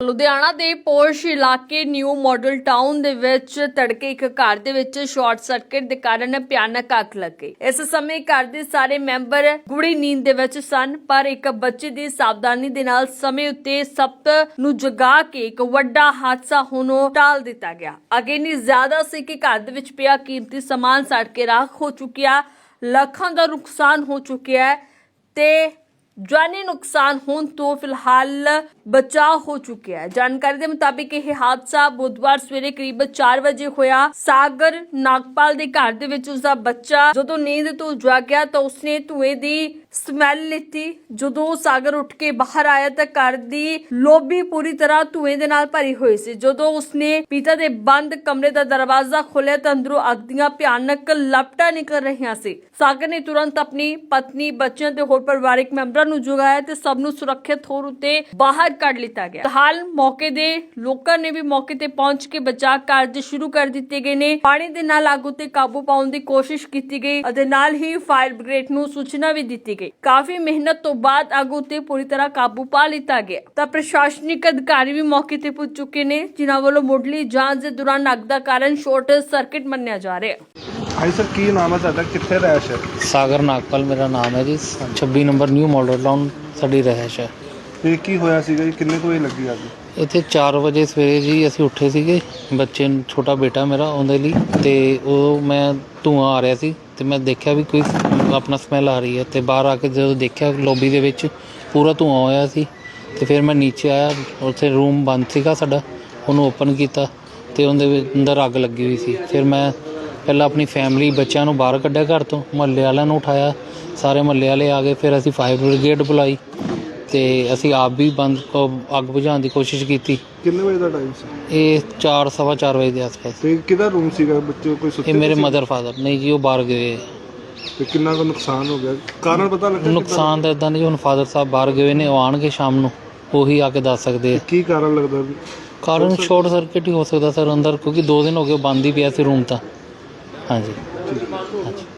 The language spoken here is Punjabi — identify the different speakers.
Speaker 1: ਲੁਧਿਆਣਾ ਦੇ ਪੋਸ਼ ਇਲਾਕੇ ਨਿਊ ਮਾਡਲ ਟਾਊਨ ਦੇ ਵਿੱਚ ਤੜਕੇ ਇੱਕ ਘਰ ਦੇ ਵਿੱਚ ਸ਼ਾਰਟ ਸਰਕਟ ਦੇ ਕਾਰਨ ਭਿਆਨਕ ਅੱਗ ਲੱਗ ਗਈ। ਇਸ ਸਮੇਂ ਘਰ ਦੇ ਸਾਰੇ ਮੈਂਬਰ ਗੂੜੀ ਨੀਂਦ ਦੇ ਵਿੱਚ ਸਨ, ਪਰ ਇੱਕ ਬੱਚੇ ਦੀ ਸਾਵਧਾਨੀ ਦੇ ਨਾਲ ਸਮੇਂ ਉੱਤੇ ਸੱਤ ਨੂੰ ਜਗਾ ਕੇ ਇੱਕ ਵੱਡਾ ਹਾਦਸਾ ਹੋਣੋਂ ਟਾਲ ਦਿੱਤਾ ਗਿਆ। ਅੱਗ ਇੰਨੀ ਜ਼ਿਆਦਾ ਸੀ ਕਿ ਘਰ ਦੇ ਵਿੱਚ ਪਿਆ ਕੀਮਤੀ ਸਮਾਨ ਸੜ ਕੇ ਰਾਖ ਹੋ ਚੁੱਕਿਆ, ਲੱਖਾਂ ਦਾ ਨੁਕਸਾਨ ਹੋ ਚੁੱਕਿਆ ਹੈ ਤੇ ਜਾਨੀ ਨੁਕਸਾਨ ਹੋਣ ਤੋਂ ਫਿਲਹਾਲ ਬਚਾਅ ਹੋ ਚੁੱਕਿਆ ਹੈ। ਜਾਣਕਾਰੀ ਦੇ ਮੁਤਾਬਿਕ ਇਹ ਹਾਦਸਾ ਬੁੱਧਵਾਰ ਸਵੇਰੇ ਕਰੀਬ 4 ਵਜੇ ਹੋਇਆ। ਸਾਗਰ ਨਾਗਪਾਲ ਦੇ ਘਰ ਦੇ ਵਿੱਚ ਉਸਦਾ ਬੱਚਾ ਜਦੋਂ ਨੀਂਦ ਤੋਂ ਜਾਗਿਆ ਤਾਂ ਉਸਨੇ ਧੂਏ ਦੀ ਸਮੈਲ ਲਿੱਤੀ। ਜਦੋਂ ਸਾਗਰ ਉੱਠ ਕੇ ਬਾਹਰ ਆਇਆ ਤਾਂ ਘਰ ਦੀ ਲੋਬੀ ਪੂਰੀ ਤਰ੍ਹਾਂ ਧੂਏ ਦੇ ਨਾਲ ਭਰੀ ਹੋਈ ਸੀ। ਜਦੋਂ ਉਸਨੇ ਪਿਤਾ ਦੇ ਬੰਦ ਕਮਰੇ ਦਾ ਦਰਵਾਜ਼ਾ ਖੋਲ੍ਹਿਆ ਤਾਂ ਅੰਦਰੋਂ ਅੱਗ ਦੀਆਂ ਭਿਆਨਕ ਲਪਟਾਂ ਨਿਕਲ ਰਹੀਆਂ ਸੀ। ਸਾਗਰ ਨੇ ਤੁਰੰਤ ਆਪਣੀ ਪਤਨੀ, ਬੱਚਿਆਂ ਤੇ ਹੋਰ ਪਰਿਵਾਰਕ ਮੈਂਬਰਾਂ ਨੂੰ ਜਗਾਇਆ ਤੇ ਸਭ ਨੂੰ ਸੁਰੱਖਿਅਤ ਤੌਰ ਉੱਤੇ ਬਾਹਰ ਕੱਢ ਲਿੱਤਾ ਗਿਆ। ਹਾਲ ਮੌਕੇ ਦੇ ਲੋਕਾਂ ਨੇ ਵੀ ਮੌਕੇ ਤੇ ਪਹੁੰਚ ਕੇ ਬਚਾਅ ਕਾਰਜ ਸ਼ੁਰੂ ਕਰ ਦਿੱਤੇ ਗਏ ਨੇ। ਪਾਣੀ ਦੇ ਨਾਲ ਅੱਗ ਉੱਤੇ ਕਾਬੂ ਪਾਉਣ ਦੀ ਕੋਸ਼ਿਸ਼ ਕੀਤੀ ਗਈ ਅਤੇ ਨਾਲ ਹੀ ਫਾਇਰ ਬ੍ਰਿਗੇਡ ਨੂੰ ਸੂਚਨਾ ਵੀ ਦਿੱਤੀ ਗਈ। ਕਾਫੀ ਮਿਹਨਤ ਤੋਂ ਬਾਅਦ ਅੱਗ ਉੱਤੇ ਪੂਰੀ ਤਰ੍ਹਾਂ ਕਾਬੂ ਪਾ ਲਿੱਤਾ ਗਿਆ ਤਾਂ ਪ੍ਰਸ਼ਾਸਨਿਕ ਅਧਿਕਾਰੀ ਵੀ ਮੌਕੇ ਤੇ ਪੁੱਜ ਚੁੱਕੇ ਨੇ, ਜਿਨ੍ਹਾਂ ਵੱਲੋਂ ਮੁੱਢਲੀ ਜਾਂਚ ਦੇ ਦੌਰਾਨ ਅੱਗ ਦਾ ਕਾਰਨ ਸ਼ਾਰਟ ਸਰਕਟ ਮੰਨਿਆ ਜਾ ਰਿਹਾ ਹੈ।
Speaker 2: ਹਾਂਜੀ ਸਰ, ਕੀ ਨਾਮ ਹੈ ਤੁਹਾਡਾ, ਕਿੱਥੇ ਰਹਿਸ਼ ਹੈ?
Speaker 3: ਸਾਗਰ ਨਾਗਪਾਲ ਮੇਰਾ ਨਾਮ ਹੈ ਜੀ। 26 ਨੰਬਰ ਨਿਊ ਮਾਡਲ ਟਾਊਨ ਸਾਡੀ ਰਹਿਸ਼ ਹੈ।
Speaker 2: ਤੇ ਕੀ ਹੋਇਆ ਸੀਗਾ ਜੀ, ਕਿੰਨੇ ਕੁ ਵਜੇ ਲੱਗੀ ਅੱਗ?
Speaker 3: ਇੱਥੇ 4 ਵਜੇ ਸਵੇਰੇ ਜੀ ਅਸੀਂ ਉੱਠੇ ਸੀਗੇ, ਬੱਚੇ ਨੂੰ, ਛੋਟਾ ਬੇਟਾ ਮੇਰਾ, ਉਹਦੇ ਲਈ, ਤੇ ਉਹ ਮੈਂ ਧੂੰਆਂ ਆ ਰਿਹਾ ਸੀ ਤੇ ਮੈਂ ਦੇਖਿਆ ਵੀ ਕੋਈ ਆਪਣਾ ਸਮੈਲ ਆ ਰਹੀ ਹੈ ਤੇ ਬਾਹਰ ਆ ਕੇ ਜਦੋਂ ਦੇਖਿਆ ਲੋਬੀ ਦੇ ਵਿੱਚ ਪੂਰਾ ਧੂੰਆਂ ਹੋਇਆ ਸੀ ਤੇ ਫਿਰ ਮੈਂ ਨੀਚੇ ਆਇਆ। ਉੱਥੇ ਰੂਮ ਬੰਦ ਸੀਗਾ ਸਾਡਾ, ਉਹਨੂੰ ਓਪਨ ਕੀਤਾ ਤੇ ਉਹਦੇ ਅੰਦਰ ਅੱਗ ਲੱਗੀ ਹੋਈ ਸੀ। ਫਿਰ ਮੈਂ ਪਹਿਲਾਂ ਆਪਣੀ ਫੈਮਿਲੀ, ਬੱਚਿਆਂ ਨੂੰ ਬਾਹਰ ਕੱਢਿਆ ਘਰ ਤੋਂ, ਮੁਹੱਲੇ ਵਾਲਿਆਂ ਨੂੰ ਉਠਾਇਆ, ਸਾਰੇ ਮੁਹੱਲੇ ਵਾਲੇ ਆ ਗਏ। ਫਿਰ ਅਸੀਂ ਫਾਇਰ ਬ੍ਰਿਗੇਡ ਬੁਲਾਈ ਤੇ ਅਸੀਂ ਆਪ ਵੀ ਅੱਗ ਬੁਝਾਉਣ ਦੀ ਕੋਸ਼ਿਸ਼ ਕੀਤੀ।
Speaker 2: ਕਿੰਨੇ ਵਜੇ ਦਾ ਟਾਈਮ ਸੀ
Speaker 3: ਇਹ 4, ਸਵਾ 4 ਵਜੇ ਦੇ ਆਸ-ਪਾਸ।
Speaker 2: ਤੇ ਕਿਹਦਾ ਰੂਮ ਸੀਗਾ? ਬੱਚੇ ਕੋਈ ਸੁੱਤੇ?
Speaker 3: ਇਹ ਮੇਰੇ
Speaker 2: ਸੀ?
Speaker 3: ਮਦਰ ਫਾਦਰ ਨਹੀਂ ਜੀ, ਉਹ ਬਾਹਰ ਗਏ।
Speaker 2: ਤੇ ਕਿੰਨਾ ਕੁ ਨੁਕਸਾਨ ਹੋ ਗਿਆ, ਕਾਰਨ ਪਤਾ ਲੱਗਾ?
Speaker 3: ਨੁਕਸਾਨ ਤਾਂ ਇਦਾਂ ਨਹੀਂ, ਹੁਣ ਫਾਦਰ ਸਾਹਿਬ ਬਾਹਰ ਗਏ ਨੇ, ਉਹ ਆਉਣਗੇ ਸ਼ਾਮ ਨੂੰ, ਉਹੀ ਆ ਕੇ ਦੱਸ ਸਕਦੇ ਆ।
Speaker 2: ਕੀ ਕਾਰਨ ਲੱਗਦਾ?
Speaker 3: ਕਾਰਨ ਸ਼ਾਰਟ ਸਰਕਟ ਹੀ ਹੋ ਸਕਦਾ ਸਰ ਅੰਦਰ, ਕਿਉਂਕਿ 2 ਦਿਨ ਹੋ ਗਏ ਬੰਦ ਹੀ ਪਿਆ ਸੀ ਰੂਮ ਤਾਂ। ਹਾਂਜੀ।